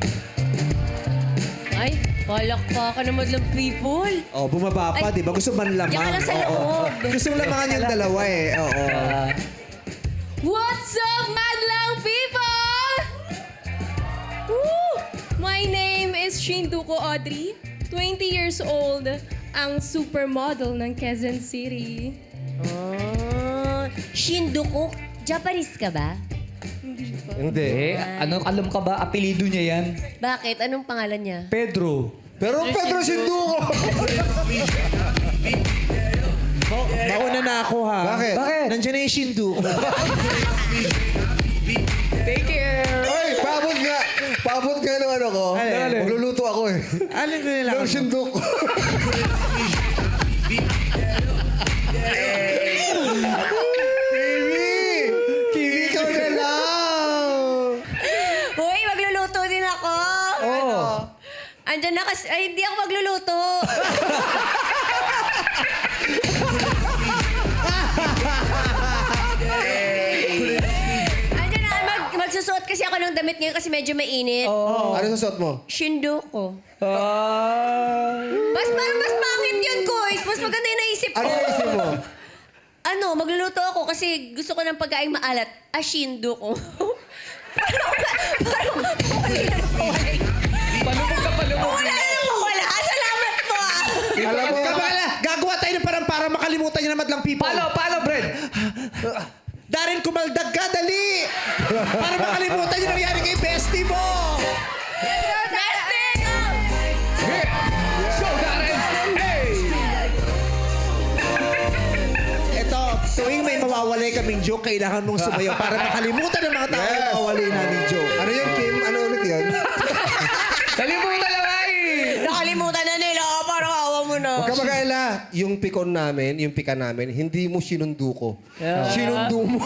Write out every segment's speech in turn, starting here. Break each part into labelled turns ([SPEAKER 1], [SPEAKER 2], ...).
[SPEAKER 1] Ay, palakpakan naman lang people.
[SPEAKER 2] Oh, bumaba pa,
[SPEAKER 1] Ay,
[SPEAKER 2] di ba? Gusto man lamang.
[SPEAKER 1] diyan ka lang sa
[SPEAKER 2] Oo.
[SPEAKER 1] loob.
[SPEAKER 2] Gusto mo lamangan yung dalawa eh. Oo.
[SPEAKER 1] What's up, madlang people? Woo! My name is Shinduko Audrey, 20 years old, ang supermodel ng Quezon City.
[SPEAKER 3] Shinduko, Japanese ka ba?
[SPEAKER 1] Hindi pa.
[SPEAKER 4] Hindi. Alam ka ba, apelido niya yan?
[SPEAKER 1] Bakit? Anong pangalan niya?
[SPEAKER 4] Pedro.
[SPEAKER 5] Pero Pedro Sinduko!
[SPEAKER 2] Mauna na ako ha.
[SPEAKER 5] Bakit?
[SPEAKER 4] Bakit?
[SPEAKER 2] Nandiyan na yung Shinduko.
[SPEAKER 4] Take care!
[SPEAKER 5] Ay, paabot nga! Paabot nga ng ano ko.
[SPEAKER 2] Alin?
[SPEAKER 5] Magluluto ako eh.
[SPEAKER 2] Alin ko nila?
[SPEAKER 5] Ng Sinduko. Kiwi, ikaw na lang!
[SPEAKER 1] Hoy, magluluto din ako.
[SPEAKER 4] Oo.
[SPEAKER 1] Andyan na kasi... Ay, hindi ako magluluto. Andyan na, magsusuot kasi ako ng damit ngayon kasi medyo mainit.
[SPEAKER 5] Ano sa suot mo?
[SPEAKER 1] Shinduko.
[SPEAKER 4] Ah.
[SPEAKER 1] Mas pangit yun, Koy. Mas maganda yung naisip ko.
[SPEAKER 5] Ano yung isip mo?
[SPEAKER 1] Ano, magluluto ako kasi gusto ko ng pagkain maalat. Shinduko. Parang
[SPEAKER 4] Palubog ka, palubog.
[SPEAKER 1] wala na wala. Salamat po ah.
[SPEAKER 5] Alam mo,
[SPEAKER 2] Kabala, gagawa tayo ng parang para makalimutan niyo na madlang people.
[SPEAKER 4] Paano, Brad?
[SPEAKER 2] Darren, kumaldag ka, dali! Para makalimutan yung nangyari kay bestie mo!
[SPEAKER 1] Testing!
[SPEAKER 4] Show, Darren! Hey!
[SPEAKER 2] Ito, tuwing may mawawalay kaming joke, kailangan mong sumayaw para makalimutan ng mga tao yung
[SPEAKER 5] Yes.
[SPEAKER 2] mawawalay namin joke.
[SPEAKER 5] ano yung Kim? Ano ulit yun?
[SPEAKER 4] Kalimutan lang ay!
[SPEAKER 1] Nakalimutan na nila. Parang awa mo na.
[SPEAKER 5] Huwag ka mag-alala. Yung pikon namin, yung pika namin, hindi mo sinunduko. Sinundo mo.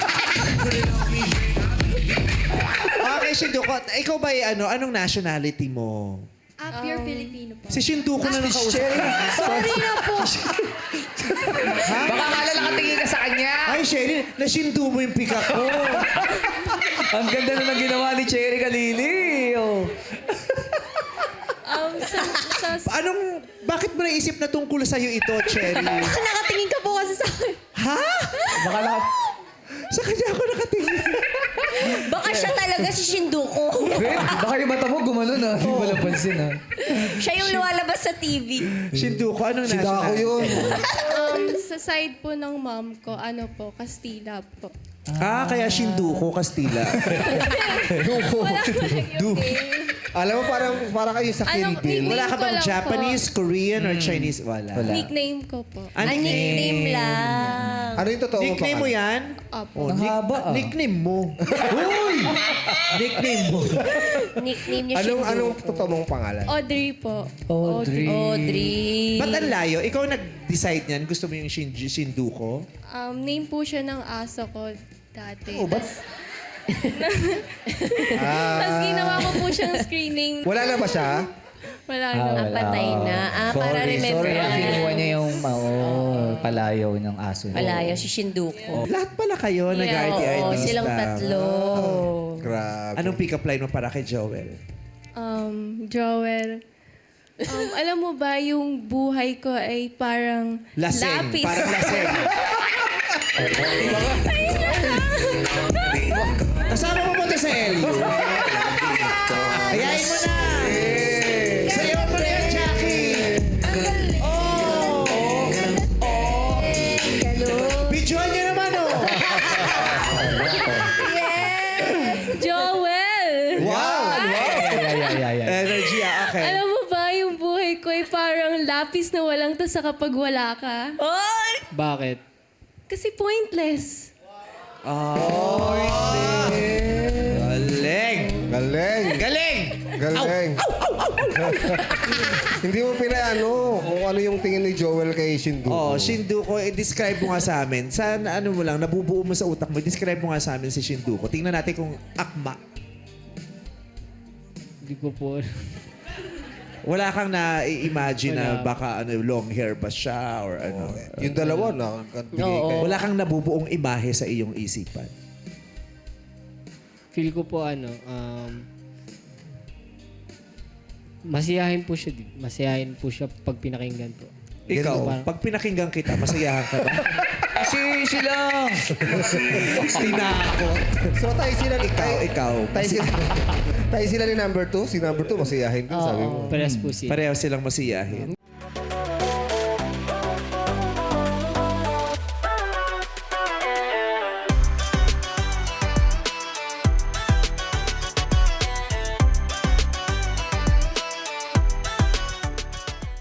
[SPEAKER 2] Okay, Shinduko, ikaw ba anong nationality mo?
[SPEAKER 6] Pure Filipino po.
[SPEAKER 2] Si Shinduko na nakausap.
[SPEAKER 6] Sorry na po.
[SPEAKER 4] Baka akala nakatingin ka sa kanya.
[SPEAKER 2] Ay, Sherry, nasindu mo yung pika ko.
[SPEAKER 4] Ang ganda na ng ginawa ni Cherry Kalili. Oh.
[SPEAKER 2] Bakit mo naisip na tungkol sa'yo ito, Cherry?
[SPEAKER 6] Nakatingin ka po kasi sa akin.
[SPEAKER 2] Ha?
[SPEAKER 4] Baka
[SPEAKER 2] Sa kanya ako nakatingin.
[SPEAKER 1] Baka siya talaga si Shinduko.
[SPEAKER 4] Baka yung mata mo gumanon ah. Hindi mo napansin ah.
[SPEAKER 1] Siya yung lumalabas sa TV.
[SPEAKER 2] Shinduko, anong
[SPEAKER 5] Si Dako
[SPEAKER 2] nationality?
[SPEAKER 5] yun.
[SPEAKER 6] Sa side po ng mom ko, ano po, Kastila po.
[SPEAKER 2] Kaya Shinduko, Kastila.
[SPEAKER 5] Alam mo, parang kayo sa Kill
[SPEAKER 6] Anong
[SPEAKER 5] Bill.
[SPEAKER 6] nickname?
[SPEAKER 2] Wala ka
[SPEAKER 6] ko
[SPEAKER 2] bang
[SPEAKER 6] lang
[SPEAKER 2] Japanese, Korean, or Chinese? Wala.
[SPEAKER 6] Nickname ko po.
[SPEAKER 1] Nickname lang.
[SPEAKER 5] Ano yung totoo mo
[SPEAKER 2] Nickname mo yan?
[SPEAKER 6] Opo.
[SPEAKER 4] Ang haba ah.
[SPEAKER 2] Nickname mo. Uy! Nickname mo.
[SPEAKER 1] Nickname niya Shinduko.
[SPEAKER 5] Anong totoo mong pangalan?
[SPEAKER 6] Audrey po.
[SPEAKER 4] Audrey.
[SPEAKER 1] Audrey.
[SPEAKER 2] Ba't ang layo? Ikaw nag-decide niyan? Gusto mo yung Shinduko?
[SPEAKER 6] Name po siya ng aso ko dati.
[SPEAKER 4] Oh, ba't?
[SPEAKER 6] Tapos ginawa ko po siyang screening.
[SPEAKER 5] Wala na ba siya?
[SPEAKER 6] Wala
[SPEAKER 4] Ah,
[SPEAKER 6] na.
[SPEAKER 4] wala.
[SPEAKER 1] Patay na. Para remember
[SPEAKER 4] Sorry,
[SPEAKER 1] na.
[SPEAKER 4] kinuha niya yung palayaw ng aso.
[SPEAKER 1] Malayo si Shinduko.
[SPEAKER 2] Lahat pala kayo nag-RTI
[SPEAKER 1] Oo,
[SPEAKER 2] artista.
[SPEAKER 1] silang tatlo.
[SPEAKER 5] Grabe.
[SPEAKER 2] Anong pick-up line mo para kay Joel?
[SPEAKER 6] Joel. Alam mo ba, yung buhay ko ay parang
[SPEAKER 2] Laseng.
[SPEAKER 6] lapis.
[SPEAKER 2] Parang laseng. Kasama mo ba ito sa Elio? Ayayin mo na! Sayaw mo na yan, Jackie! Videoan niyo naman, oh!
[SPEAKER 6] Joel!
[SPEAKER 2] Wow!
[SPEAKER 4] Yeah.
[SPEAKER 2] Energy, okay.
[SPEAKER 6] Alam mo ba, yung buhay ko ay parang lapis na walang tasa kapag wala ka.
[SPEAKER 1] Oy!
[SPEAKER 7] Bakit?
[SPEAKER 6] Kasi pointless.
[SPEAKER 2] Galing!
[SPEAKER 5] Galing.
[SPEAKER 2] Galing!
[SPEAKER 5] Galing. Hindi mo pinaano kung ano yung tingin ni Joel kay Shinduko.
[SPEAKER 2] Oh, Shinduko, describe mo nga sa amin. Sana ano mo lang, nabubuo mo sa utak mo, describe mo nga sa amin si Shinduko. Tingnan natin kung akma.
[SPEAKER 7] Hindi ko po.
[SPEAKER 2] Wala kang na-imagine na
[SPEAKER 7] Wala.
[SPEAKER 2] baka long hair ba siya or ano.
[SPEAKER 5] Yung dalawa na, bigay kayo.
[SPEAKER 2] Wala kang nabubuong imahe sa iyong isipan.
[SPEAKER 7] Feel ko po Masiyahin po siya. Masiyahin po siya pag pinakinggan po.
[SPEAKER 2] Ikaw, pag pinakinggan kita, masayahan ka ba?
[SPEAKER 4] Kasi sila.
[SPEAKER 2] Tinakot.
[SPEAKER 5] So tayo sila ni
[SPEAKER 2] Ikaw.
[SPEAKER 5] Tayo sila ni number 2. Si number 2 masiyahin din, sabi mo.
[SPEAKER 7] Parehas po siya.
[SPEAKER 2] Pareho silang masiyahin.